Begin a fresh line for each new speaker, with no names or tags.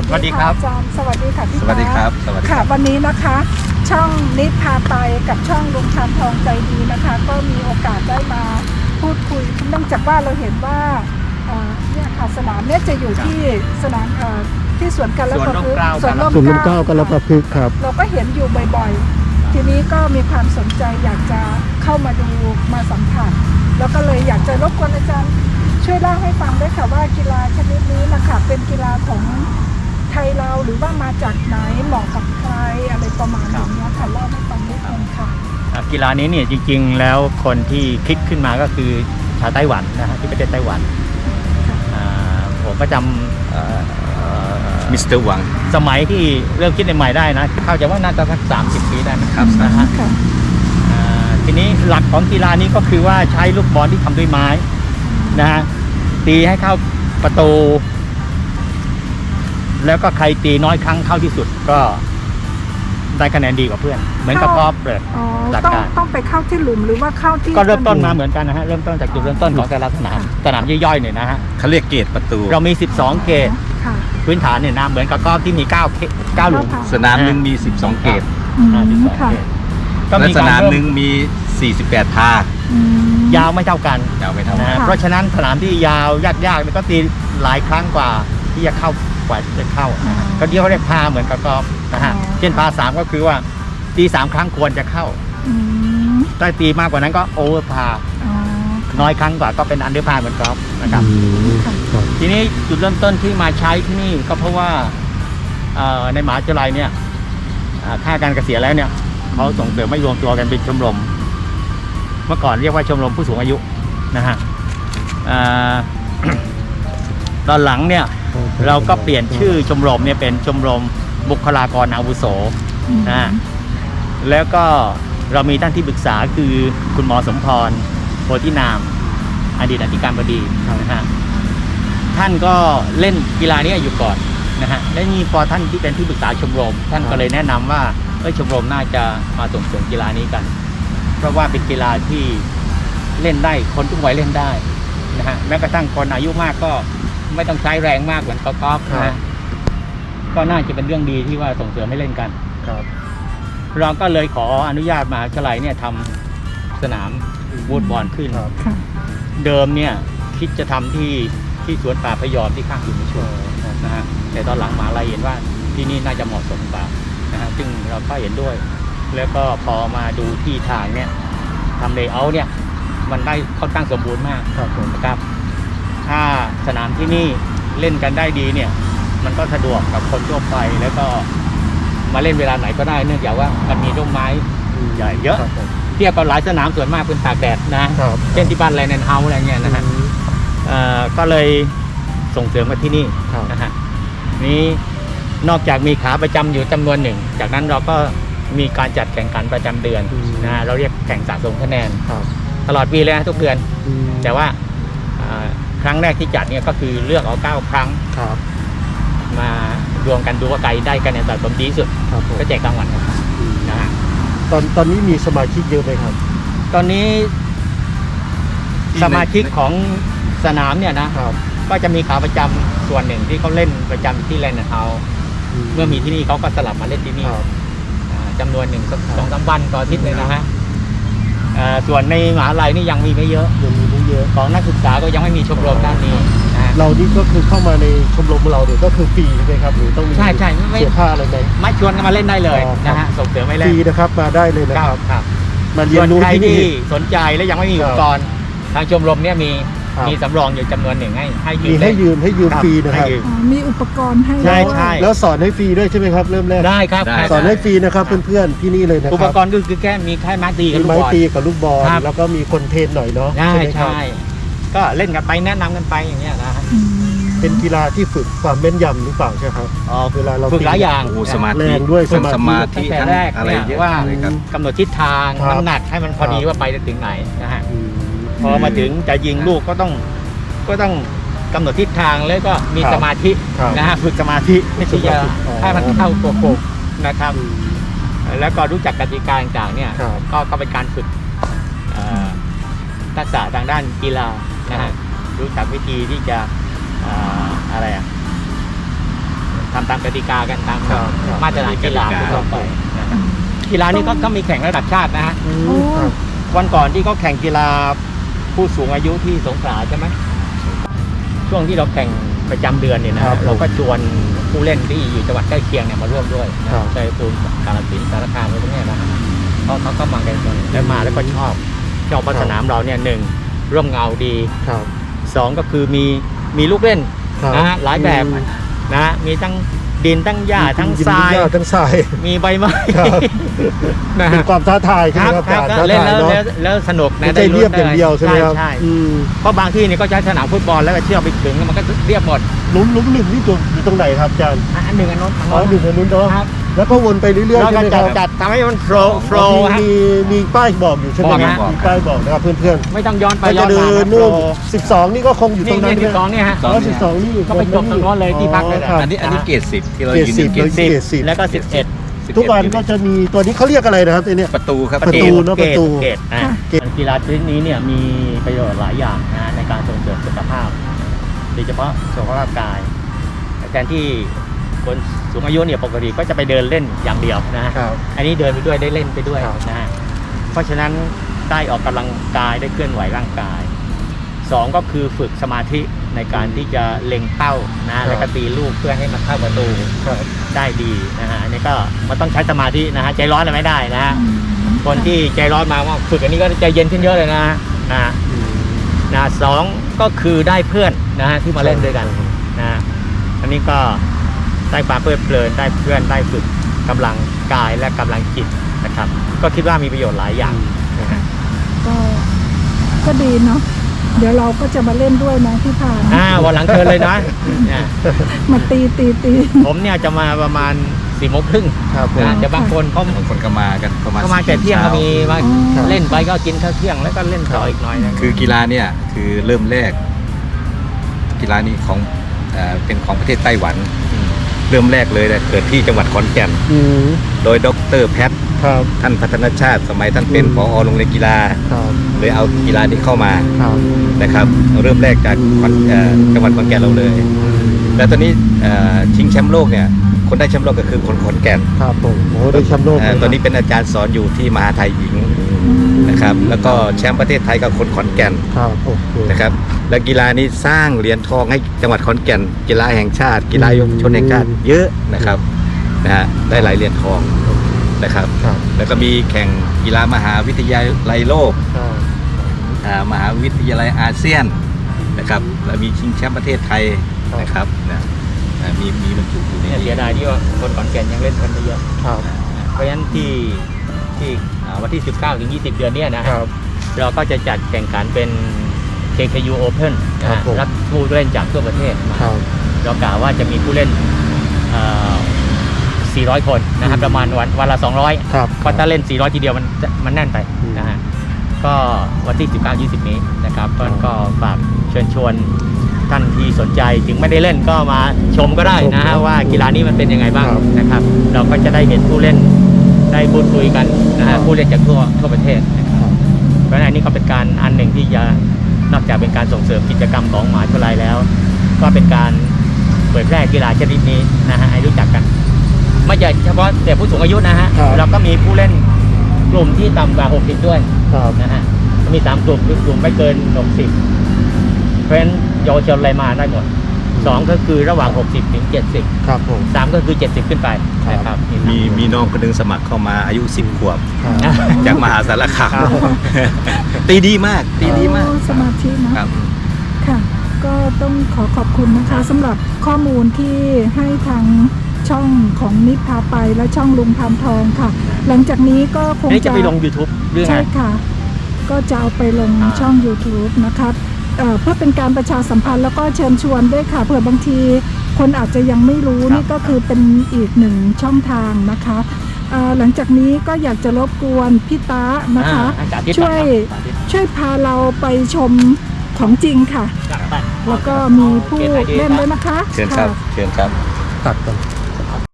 สวัสดีครับ
อาจารย์สวัสดีค่ะพี่
สวัสดีครับสวัสดีค
ค่ะ
รับ
วันนี้นะคะช่องนิดพาไปกับช่องลุงชานทองใจดีนะคะ ก็มีโอกาสได้มาพูดคุยเนื่องจากว่าเราเห็นว่าเนี่ยค่ะสนามเนี่ยจะอยู่ที่สนามที่สวนกัลปะพฤกษ์สวนร่มเกล้ากัลปะพฤกษ์ครับเราก็เห็นอยู่บ่อยๆทีนี้ก็มีความสนใจอยากจะเข้ามาดูมาสัมผัสแล้วก็เลยอยากจะรบกวนอาจารย์ช่วยเล่าให้ฟังด้วยค่ะว่ากีฬาชนิดนี้นะคะเป็นกีฬาของไทยเราหรือว่ามาจากไหนเหมาะกับใครอะไรประมาณอย่างนี้ค่ะเล่าให้ฟังนิดนึงค่ะ
กีฬานี้เนี่ยจริงๆแล้วคนที่คิดขึ้นมาก็คือชาวไต้หวันนะฮะที่ประเทศไต้หวันผมก็จำ
มิสเตอร์หวัง
สมัยที่เริ่มคิดใหม่ได้นะเข้าใจว่าน่าจะสัก30 ปีได้นะครับนะฮะทีนี้หลักของกีฬานี้ก็คือว่าใช้ลูกบอลที่ทำด้วยไม้นะฮะตีให้เข้าประตูแล้วก็ใครตีน้อยครั้งเข้าที่สุดก็ได้คะแนนดีกว่าเพื่อนเหมือนกับกอล์ฟเลย
ต้องไปเข้าที่หลุมหรือว่าเข้าที่
ก็เริ่มต้นมาเหมือนกันนะฮะเริ่มต้นจากจุดเริ่มต้นของแต่ละสนามย่อยๆเนี่ยนะฮะ
เขาเรียกเกตประตู
เรามี12เกตพื้นฐานเนี่ยนะเหมือนกับกอล์ฟที่มี9หลุม
สนามหนึ่งมี12เกต
และ
สนามหนึ่งมี48ท่
ายาวไม่เท่ากัน
นะ
เพราะฉะนั้นสนามที่ยาวยากๆก็ตีหลายครั้งกว่าที่จะเข้ากว่าจะเข้าก็เดี๋ยวเขาเรียกพาเหมือนกับกอล์ฟนะฮะเช่นพา3ก็คือว่าตี3ครั้งควรจะเข้าถ้าตีมากกว่านั้นก็โอเวอร์พาน้อยครั้งกว่าก็เป็นอันเดอร์พาเหมือนกอล์ฟนะครับทีนี้จุดเริ่มต้นที่มาใช้ที่นี่ก็เพราะว่าในมหาวิทยาลัยเนี่ยค่าการเกษียณแล้วเนี่ยเขาส่งเสริมให้รวมตัวกันเป็นชมรมเมื่อก่อนเรียกว่าชมรมผู้สูงอายุนะฮะตอนหลังเนี่ยเราก็เปลี่ยนชื่อชมรมเนี่ยเป็นชมรมบุคลากรอาวุโสนะแล้วก็เรามีท่านที่ปรึกษาคือคุณหมอสมพรโพธินามอดีตอธิการบดีนะฮะท่านก็เล่นกีฬานี้อยู่ก่อนนะฮะและนี่พอท่านที่เป็นที่ปรึกษาชมรมท่านก็เลยแนะนำว่าชมรมน่าจะมาส่งเสริมกีฬานี้กันเพราะว่าเป็นกีฬาที่เล่นได้คนทุกวัยเล่นได้นะฮะแม้กระทั่งคนอายุมากก็ไม่ต้องใช้แรงมากเหมือนกอล์ฟนะก็น่าจะเป็นเรื่องดีที่ว่าส่งเสริมให้เล่นกันครับเราก็เลยขออนุญาตมหาวิทยาลัยเนี่ยทำสนามวูดบอลขึ้นเดิมเนี่ยคิดจะทำที่สวนป่าพยอมที่ข้างสุนิชนนะฮะแต่ตอนหลังมหาวิทยาลัยเห็นว่าที่นี่น่าจะเหมาะสมกว่านะฮะซึ่งเราก็เห็นด้วยแล้วก็พอมาดูที่ทางเนี่ยทำเลเยอร์เนี่ยมันได้ค่อนข้างสมบูรณ์มากนะครับถ้าสนามที่นี่เล่นกันได้ดีเนี่ยมันก็สะดวกกับคนทั่วไปแล้วก็มาเล่นเวลาไหนก็ได้เนื่องจากว่ามันมีร่มไม้ใหญ่เยอะเทียบกับหลายสนามส่วนมากเป็นตากแดดนะเช่นที่บ้านแลนด์เฮาส์อะไรเงี้ยนะฮะก็เลยส่งเสริมมาที่นี่นะฮะนี้นอกจากมีขาประจำอยู่จำนวนหนึ่งจากนั้นเราก็มีการจัดแข่งขันประจำเดือนนะเราเรียกแข่งสะสมคะแนนตลอดปีเลยนะทุกเดือนแต่ว่าครั้งแรกที่จัดเนี่ยก็คือเลือกเอา9 ครั้งมารวมกันดูว่าใครได้คะแนนสะสมดีที่สุดก็แจกรางวัลนะฮะ
ตอนนี้มีสมาชิกเยอะไหมครับ
ตอนนี้สมาชิกของสนามเนี่ยนะก็จะมีขาประจำส่วนหนึ่งที่เขาเล่นประจำที่แลนด์เฮาส์เมื่อมีที่นี่เขาก็สลับมาเล่นที่นี่จำนวนหนึ่งสัก2-3 วันต่ออาทิตย์เลยนะฮะส่วนในมหาวิทยาลัยนี่ยังมีไม่เยอะของนักศึกษาก็ยังไม่มีชมรมด้านนี้
เรานี่ก็คือเข้ามาในชมรมเราเนี่ยก็คือฟรีใช่ไหมครับหรือต้องมี
ใช่
เสียค่าอะไรไหม
ไม่ชวนกันมาเล่นได้เลยนะฮะส่งเสริมไม่เล่น
ฟรีนะครับมาได้เลยนะครับ
มาเรียนรู้ที่นี่สนใจและยังไม่มีอุปกรณ์ทางชมรมเนี่ยมีสำรองอยู่จำนวนหนึ่งให้
ยืมฟรีนะครับ
มีอุปกรณ์ให้
ใช่
แล้วสอนให้ฟรีด้วยใช่ไหมครับเริ่มแรก
ได้ครับ
สอนให้ฟรีนะครับเพื่อนๆที่นี่เลยนะครับ
อุปกรณ์ก็คือแค่มีแค่ไม้ตีกับ
ลูกบอลแล้วก็มีคนเทรนหน่อยเนาะ
ใช่ก็เล่นกันไปแนะนำกันไปอย่างเงี้ยนะ
เป็นกีฬาที่ฝึกความแม่นยำหรือเปล่าใช่ครับ
เวลาเราฝึกหลายอย่าง
สมาธิ
แรงด้วย
สมาธิ
ตั้งแต่แรกเนี่ยว่ากำหนดทิศทางน้ำหนักให้มันพอดีว่าไปถึงไหนนะฮะพอมาถึงจะยิงลูกก็ต้องกำหนดทิศทางแล้วก็มีสมาธินะฮะฝึกสมาธิไม่ใช่จะให้มันเข้าตัวโคกนะครับแล้วก็รู้จักกติกาต่างๆเนี่ยก็เป็นการฝึกทักษะทางด้านกีฬานะฮะรู้จักวิธีที่จะอะไรทำตามกติกากันตาม
ครับ
มาตรฐานกีฬาทั่วไปนะครับกีฬานี้ก็มีแข่งระดับชาตินะฮะ
โอ้
ครับ
วันก่อนที่เขาแข่งกีฬาผู้สูงอายุที่สงขลาใช่ไหมช่วงที่เราแข่งประจำเดือนเนี่ยนะครับ เราก็ชวนผู้เล่นที่อยู่จังหวัดใกล้เคียงเนี่ยมาร่วมด้วยนะครับ ชัยภูมิกาฬสินธุ์สารคามอะไรพวกเนี้ยนะเขาก็มากันแล้วมาแล้วก็ชอบเพราะสนามเราเนี่ยหนึ่งร่มเงาดี
ครับ
สองก็คือมีลูกเล่น
ครับ
นะฮะหลายแบบนะมีทั้งดินทั้งหญ้าทั้งทราย
หญ้ทั้งทราย
มีใบไม้
ครับ
นะ
เป็น
ฮะ
ความท้าทายใช่ไหมครับ
ครับ
ท้า
เล่น
ทาย
แล้ว
เนาะ
แล้วสนุกนะ
ไม่ใช่เรียบอย่างเดียวใช่ไหมครับ
ใช่
อืม
เพราะบางที่นี่ก็ใช้สนามฟุตบอลแล้วก็เชือกไปถึงมันก็เรียบหมด
หลุมหนึ่งนี่อยู่ตรงไหนครับอาจารย์
อันหนึ่งอันโน้นอัน
อ๋อ
โน้น
หนึ่งอันนู้นเนาะ
ครับ
แล้วก็วนไปเรื่อยๆ
แล้ว
ใช่
ก็
ไหมค
จั
รั
ด
บ
จัดทำให้มันโฟล์
มีมีป้ายบอกอยู่ใช่ไหม
บอก
ค
นะ
รับมีป้ายบอกนะครับเพื่อน
ไม่ต้องย้อน
ๆ
ไป
ถ้า
ย้
จะ
อน
เดิ
มาน
นู่น
โฟล์
12 นี่ก็คงอยู่ต
นี่
รงนั้น
นี่12เนี่ยฮะ
อ๋อ12 นี่
ก็ไปจบตรงโน้นเลยที่พักเลยแหละ
ครับ
อันนี้เกรด10ที่เรา
เกรด
ยืน
10
เกรด
เกรด10
แล้วก็11
10
ทุกวันก็จะมีตัวนี้เขาเรียกอะไรนะครับตัวเนี้ย
ประตูครับ
ประตู เนอะประตู
เกตกีฬาชนิดนี้เนี่ยมีประโยชน์หลายอย่างนะในการส่งเสริมสุขภาพโดยเฉพาะสุขภาพกายแทนที่คนสูงอายุเนี่ยปกติก็จะไปเดินเล่นอย่างเดียวนะฮะ
ครับ
อันนี้เดินไปด้วยได้เล่นไปด้วย
ครับ
นะฮะเพราะฉะนั้นได้ออกกำลังกายได้เคลื่อนไหวร่างกายสองก็คือฝึกสมาธิในการที่จะเล็งเป้านะแล้วก็ตีลูกเพื่อให้มันเข้าประตู
ครับ
ได้ดีนะฮะอันนี้ก็มันต้องใช้สมาธินะฮะใจร้อนอะไรไม่ได้นะฮะคนที่ใจร้อนมาว่าฝึกอันนี้ก็ใจเย็นขึ้นเยอะเลยนะนะสองก็คือได้เพื่อนนะฮะที่มาเล่นด้วยกันนะฮะอันนี้ก็ได้ความเพลิดเพลินได้เพื่อนได้ฝึกกำลังกายและกำลังจิตนะครับก็คิดว่ามีประโยชน์หลายอย่างนะฮะ
ก็ดีเนาะเดี๋ยวเราก็จะมาเล่นด้วยนะพี่พาน
วันหลังเชิญเลยนะเนี่ย
มาตี
ผมเนี่ยจะมาประมาณ4:30
ครับผม
นะแต่บางคนเขา
บางคนก็มากันประมาณ
ก็มาแต่เที่ยงก็มีมา
ครับ
เล่นไปก็กินข้าวเที่ยงแล้วก็เล่นต่ออีกหน่อยนึง
คือกีฬาเนี่ยคือเริ่มแรก กีฬานี้ของเป็นของประเทศไต้หวัน เริ่มแรกเลยเกิดที่จังหวัดขอนแก่น
อืม
โดยดรแพทย์
ครับ
ท่านพัฒนชาติสมัยท่านเป็นผอโรงเรียนกีฬา
ครับ
เลยเอากีฬานี้เข้ามา
ครับ
นะครับเริ่มแรกจากจังหวัดขอนแก่นเราเลย แล้วตอนนี้ชิงแชมป์โลกเนี่ยคนได้แชมป์โลกก็คือคนขอนแก่น
ครับผมโอ้ได้แชมป์โลกเลย
ตอนนี้เป็นอาจารย์สอนอยู่ที่มหาไทยหญิงนะครับแล้วก็แชมป์ประเทศไทยกับคนขอนแก่น
ครับโอเค
นะครับและกีฬานี้สร้างเหรียญทองให้จังหวัดขอนแก่น กีฬาแห่งชาติ กีฬาเยาวชนแห่งชาติเยอะนะครับนะฮะได้หลายเหรียญทองนะครับ
ครับ
แล้วก็มีแข่งกีฬามหาวิทยาลัยโลก
ครับ
มหาวิทยาลัยอาเซียนนะครับแล้วมีชิงแชมป์ประเทศไทยนะครับนะมีบรรจุอยู่ใน
เนี่ยเสียดายที่ว่าคนขอนแก่นยังเล่นกันไม่เยอะ
ครับ
เพราะฉะนั้นที่วันที่19 ถึง 20 เดือนเนี้ยนะครับ เราก็จะจัดแข่งขันเป็น KKU Open
ครับผม
รับผู้เล่นจากทั่วประเทศมา
ครับ
เรากล่าวว่าจะมีผู้เล่น400 คนนะครับประมาณวันละ 200
ครับ
เพราะถ้าเล่น 400 ทีเดียวมันแน่นไปนะฮะก็วันที่ 19-20 นี้นะครับก็ฝากเชิญชวนท่านที่สนใจถึงไม่ได้เล่นก็มาชมก็ได้นะฮะว่ากีฬานี้มันเป็นยังไงบ้างนะครับเราก็จะได้เห็นผู้เล่นได้พูดคุยกันนะฮะผู้เล่นจากทั่วประเทศนะครับเพราะฉะนั้นอันนี้ก็เป็นการอันหนึ่งที่จะนอกจากเป็นการส่งเสริมกิจกรรมของมหาวิทยาลัยแล้ว ก็เป็นการเผยแพร่กีฬาชนิดนี้นะฮะให้รู้จักกันไม่ใช่เฉพาะแต่ผู้สูงอายุนะฮะเราก็มีผู้เล่นกลุ่มที่ต่ำกว่า60ด้วย
ครับ
นะฮะมี3กลุ่มคือกลุ่มไม่เกิน60เพราะฉะนั้นเยาวชนอะไรมาได้หมด2ก็คือระหว่าง60 ถึง 70
ครับผม
3ก็คือ70ขึ้นไปนะครับ
มีน้องคนหนึงสมัครเข้ามาอายุ10 ขวบ
ครับ
จากมหาสารคาม
ครับ
ตีดีมากตีดีมาก
โอ้สมาธิเนอะ
ครับ
ค่ะ ก็ต้องขอบคุณนะคะสำหรับข้อมูลที่ให้ทางช่องของนิดพาไปและช่องลุงพานทองค่ะ หลังจากนี้ก็คง
นี่จะ
จะ
ไปลง YouTube เรื่องไง
ใช่ค่ะ ก็จะเอาไปลงช่อง YouTube นะคะเพื่อเป็นการประชาสัมพันธ์แล้วก็เชิญชวนด้วยค่ะเผื่อบางทีคนอาจจะยังไม่รู้นี่ก็คือเป็นอีกหนึ่งช่องทางนะคะหลังจากนี้ก็อยากจะรบกวนพี่ตานะคะ ช่วยพาเราไปชมของจริงค่ะ แล้วก็มีผู้เล่นด้วยนะคะ
เชิญครับเชิญครับ
ตัดกัน